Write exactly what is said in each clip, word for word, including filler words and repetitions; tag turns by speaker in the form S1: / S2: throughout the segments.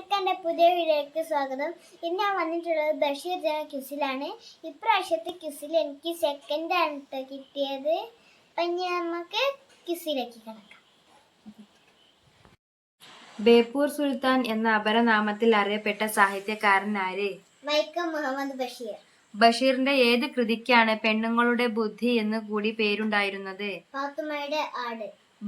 S1: എല്ലാവർക്കും എൻ്റെ പുതിയ വീഡിയോയ്ക്ക് സ്വാഗതം. ഇന്ന് ഞാൻ വന്നിട്ടുള്ളത് ബഷീർ ജന ക്വിസിലാണ്. ഇപ്രാവശ്യത്തെ ക്വിസിൽ എനിക്ക് സെക്കൻഡ് ആണ് കിട്ടിയത്. അപ്പം നമുക്ക് ക്വിസിലേക്ക് കിടക്കാം.
S2: ബേപ്പൂർ സുൽത്താൻ എന്ന അപരനാമത്തിൽ അറിയപ്പെട്ട സാഹിത്യകാരൻ ആര്?
S1: വൈക്കം മുഹമ്മദ് ബഷീർ.
S2: ബഷീറിന്റെ ഏത് കൃതിക്കാണ് പെണ്ണുങ്ങളുടെ ബുദ്ധി എന്ന് കൂടി പേരുണ്ടായിരുന്നത്?
S1: പാത്തുമ്മയുടെ ആട്.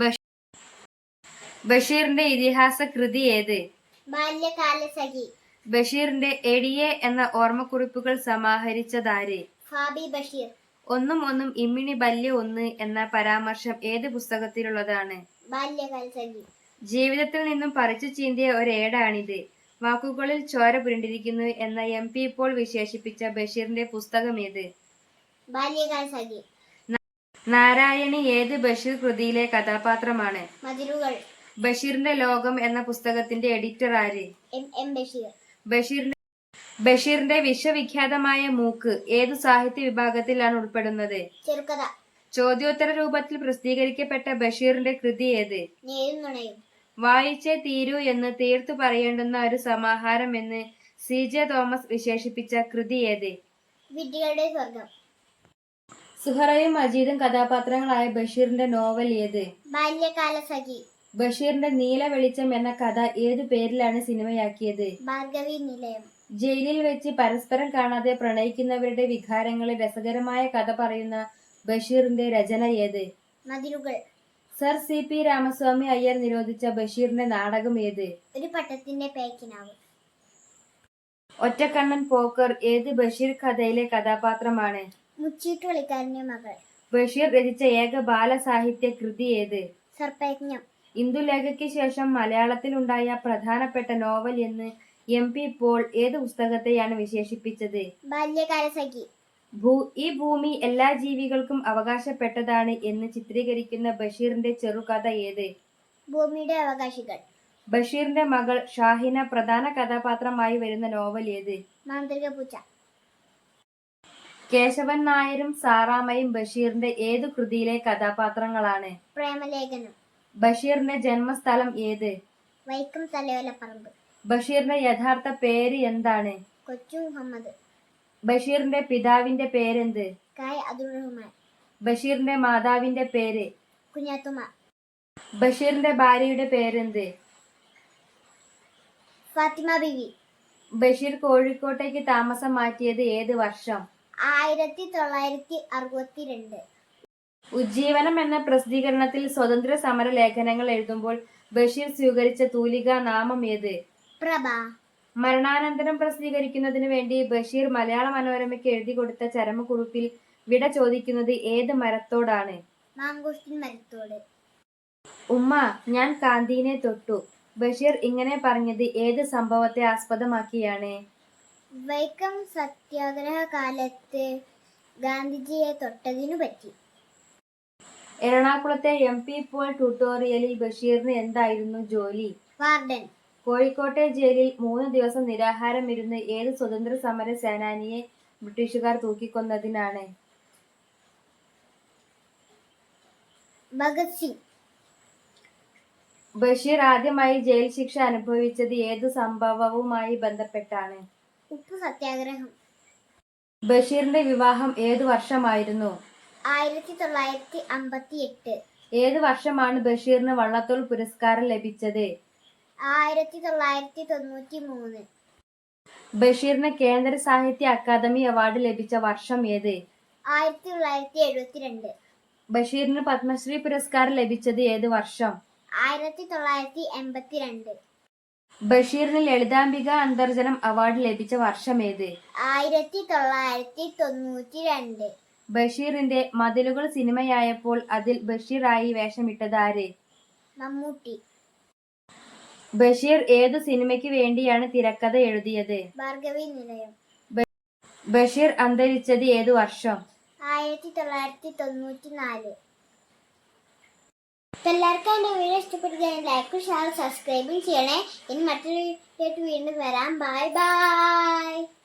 S2: ബഷീറിന്റെ ഇതിഹാസ കൃതി ഏത്?
S1: ബാല്യകാലസഖി.
S2: ബഷീറിന്റെ എടിയെ എന്ന ഓർമ്മക്കുറിപ്പുകൾ സമാഹരിച്ചതാര്?
S1: ഫാബി ബഷീർ.
S2: ഒന്നും ഒന്നും ഇമ്മിണി ബല്യ ഒന്ന് എന്ന പരാമർശം ഏത് പുസ്തകത്തിലുള്ളതാണ്?
S1: ബാല്യകാലസഖി. ജീവിതത്തിൽ
S2: നിന്നും പറിച്ചു ചീന്തിയ ഒരേടാണിത്. വാക്കുകളിൽ ചോര പുരണ്ടിരിക്കുന്നു എന്ന എം പി പോൾ വിശേഷിപ്പിച്ച ബഷീറിന്റെ പുസ്തകം ഏത്?
S1: ബാല്യകാലസഖി.
S2: നാരായണി ഏത് ബഷീർ കൃതിയിലെ കഥാപാത്രമാണ്?
S1: മതിലുകൾ.
S2: ബഷീറിന്റെ ലോകം എന്ന പുസ്തകത്തിന്റെ എഡിറ്റർ ആര്?
S1: M M Basheer.
S2: ബഷീറിന്റെ ബഷീറിന്റെ വിശ്വവിഖ്യാതമായ മൂക്ക് ഏതു സാഹിത്യ വിഭാഗത്തിലാണ് ഉൾപ്പെടുന്നത്?
S1: ചെറുകഥ.
S2: ചോദ്യോത്തര രൂപത്തിൽ പ്രസിദ്ധീകരിക്കപ്പെട്ട ബഷീറിന്റെ കൃതി ഏത്? വായിച്ചേ തീരൂ എന്ന് തീർത്തു പറയേണ്ടുന്ന ഒരു സമാഹാരം എന്ന് സി ജെ തോമസ് വിശേഷിപ്പിച്ച കൃതി ഏത്?
S1: വിഡ്ഢികളുടെ സ്വർഗം.
S2: സുഹറയും മജീദും കഥാപാത്രങ്ങളായ ബഷീറിന്റെ നോവൽ ഏത്?
S1: ബാല്യകാലസഖി.
S2: ബഷീറിന്റെ നീല വെളിച്ചം എന്ന കഥ ഏതു പേരിലാണ് സിനിമയാക്കിയത്?
S1: ഭാർഗവി നിലയം.
S2: ജയിലിൽ വെച്ച് പരസ്പരം കാണാതെ പ്രണയിക്കുന്നവരുടെ വികാരങ്ങളെ രസകരമായ കഥ പറയുന്ന ബഷീറിന്റെ രചന ഏത്?
S1: മതിലുകൾ.
S2: Sir C P Ramaswamy Iyer നിരോധിച്ച ബഷീറിന്റെ നാടകം ഏത്?
S1: ഒരു പട്ടത്തിന്റെ പേക്കിനാവ്.
S2: ഒറ്റക്കണ്ണൻ പോക്കർ ഏത് ബഷീർ കഥയിലെ കഥാപാത്രമാണ്?
S1: മുച്ചീട്ട് കളിക്കാരന്റെ മകൾ.
S2: ബഷീർ രചിച്ച ഏക ബാലസാഹിത്യ കൃതി ഏത്?
S1: സർപ്പയജ്ഞം.
S2: ഇന്ദുലേഖയ്ക്ക് ശേഷം മലയാളത്തിൽ ഉണ്ടായ പ്രധാനപ്പെട്ട നോവൽ എന്ന് എം പി പോൾ ഏത് പുസ്തകത്തെയാണ് വിശേഷിപ്പിച്ചത്?
S1: ബാല്യകാലസഖി.
S2: ഈ ഭൂമി എല്ലാ ജീവികൾക്കും അവകാശപ്പെട്ടതാണ് എന്ന് ചിത്രീകരിക്കുന്ന ബഷീറിന്റെ ചെറുകഥ ഏത്?
S1: ഭൂമിയുടെ അവകാശികൾ.
S2: ബഷീറിന്റെ മകൾ ഷാഹിന പ്രധാന കഥാപാത്രമായി വരുന്ന നോവൽ ഏത്?
S1: മാന്ത്രിക പൂച്ച.
S2: കേശവൻ നായരും സാറാമയും ബഷീറിന്റെ ഏതു കൃതിയിലെ കഥാപാത്രങ്ങളാണ്?
S1: പ്രേമലേഖനം.
S2: ബഷീറിന്റെ ജന്മസ്ഥലം ഏത്?
S1: വൈക്കം തലയോലപ്പറമ്പ്.
S2: ബഷീറിന്റെ യഥാർത്ഥ പേര് എന്താണ്?
S1: കൊച്ചു മുഹമ്മദ്.
S2: ബഷീറിന്റെ പിതാവിന്റെ പേരെന്ത്?
S1: കായ് അബ്ദുൾ റഹ്മാൻ.
S2: ബഷീറിന്റെ മാതാവിന്റെ പേര്?
S1: കുഞ്ഞാത്തുമ്മ.
S2: ബഷീറിന്റെ ഭാര്യയുടെ പേരെന്ത്?
S1: ഫാത്തിമ ബീവി.
S2: ബഷീർ കോഴിക്കോട്ടേക്ക് താമസം മാറ്റിയത് ഏത് വർഷം?
S1: ആയിരത്തി തൊള്ളായിരത്തി അറുപത്തിരണ്ട്.
S2: ഉജ്ജീവനം എന്ന പ്രസിദ്ധീകരണത്തിൽ സ്വതന്ത്ര സമര ലേഖനങ്ങൾ എഴുതുമ്പോൾ ബഷീർ സ്വീകരിച്ച തൂലികാ നാമം ഏത്?
S1: പ്രഭ.
S2: മരണാനന്തരം പ്രസിദ്ധീകരിക്കുന്നതിനു വേണ്ടി ബഷീർ മലയാള മനോരമയ്ക്ക് എഴുതി കൊടുത്ത ചരമക്കുറിപ്പിൽ വിട ചോദിക്കുന്നത് ഏത് മരത്തോടാണ്?
S1: മാങ്കോസ്റ്റിൻ മരത്തോട്.
S2: ഉമ്മ ഞാൻ കാന്തീനെ തൊട്ടു. ബഷീർ ഇങ്ങനെ പറഞ്ഞത് ഏത് സംഭവത്തെ ആസ്പദമാക്കിയാണ്?
S1: വൈക്കം സത്യാഗ്രഹ കാലത്ത് ഗാന്ധിജിയെ തൊട്ടതിനു പറ്റി.
S2: എറണാകുളത്തെ എം പി പോൾ ട്യൂട്ടോറിയലിൽ ബഷീറിന് എന്തായിരുന്നു ജോലി?
S1: വാർഡൻ.
S2: കോഴിക്കോട്ടെ ജയിലിൽ മൂന്ന് ദിവസം നിരാഹാരം ഇരുന്ന് ഏത് സ്വതന്ത്ര സമര സേനാനിയെ ബ്രിട്ടീഷുകാർ തൂക്കിക്കൊന്നതിനാണ്?
S1: ഭഗത് സിംഗ്.
S2: ബഷീർ ആദ്യമായി ജയിൽ ശിക്ഷ അനുഭവിച്ചത് ഏതു സംഭവവുമായി ബന്ധപ്പെട്ടാണ്?
S1: ഉപ്പു സത്യാഗ്രഹം.
S2: ബഷീറിന്റെ വിവാഹം ഏതു വർഷമായിരുന്നു?
S1: ആയിരത്തി തൊള്ളായിരത്തി അമ്പത്തി എട്ട്.
S2: ഏത് വർഷമാണ് ബഷീറിന് വള്ളത്തോൾ പുരസ്കാരം ലഭിച്ചത്?
S1: ആയിരത്തി തൊള്ളായിരത്തി തൊണ്ണൂറ്റി മൂന്ന്.
S2: ബഷീറിന് കേന്ദ്ര സാഹിത്യ അക്കാദമി അവാർഡ് ലഭിച്ച വർഷം ഏത്?
S1: ആയിരത്തി തൊള്ളായിരത്തി എഴുപത്തിരണ്ട്.
S2: ബഷീറിന് പത്മശ്രീ പുരസ്കാരം ലഭിച്ചത് ഏത് വർഷം?
S1: ആയിരത്തി തൊള്ളായിരത്തി എൺപത്തിരണ്ട്.
S2: ബഷീറിന് ലളിതാംബിക അന്തർജനം അവാർഡ് ലഭിച്ച വർഷം ഏത്?
S1: ആയിരത്തി തൊള്ളായിരത്തി തൊണ്ണൂറ്റി രണ്ട്.
S2: ബഷീറിന്റെ മതിലുകൾ സിനിമയായപ്പോൾ അതിൽ ബഷീറായി വേഷമിട്ടത് ആര്?
S1: മമ്മൂട്ടി.
S2: ബഷീർ ഏതു സിനിമയ്ക്ക് വേണ്ടിയാണ് തിരക്കഥ എഴുതിയത്?
S1: ഭാർഗവി നിലയം.
S2: ബഷീർ അന്തരിച്ചത് ഏതു വർഷം?
S1: ആയിരത്തി തൊള്ളായിരത്തി തൊണ്ണൂറ്റി നാല്. എല്ലാവർക്കും എൻ്റെ വീഡിയോ ഇഷ്ടപ്പെടുകയാണെങ്കിൽ ലൈക്കും ഷെയർ സബ്സ്ക്രൈബും ചെയ്യണേ. ഇനി മറ്റൊരു വീഡിയോ വീണ്ടും വരാം. Bye by.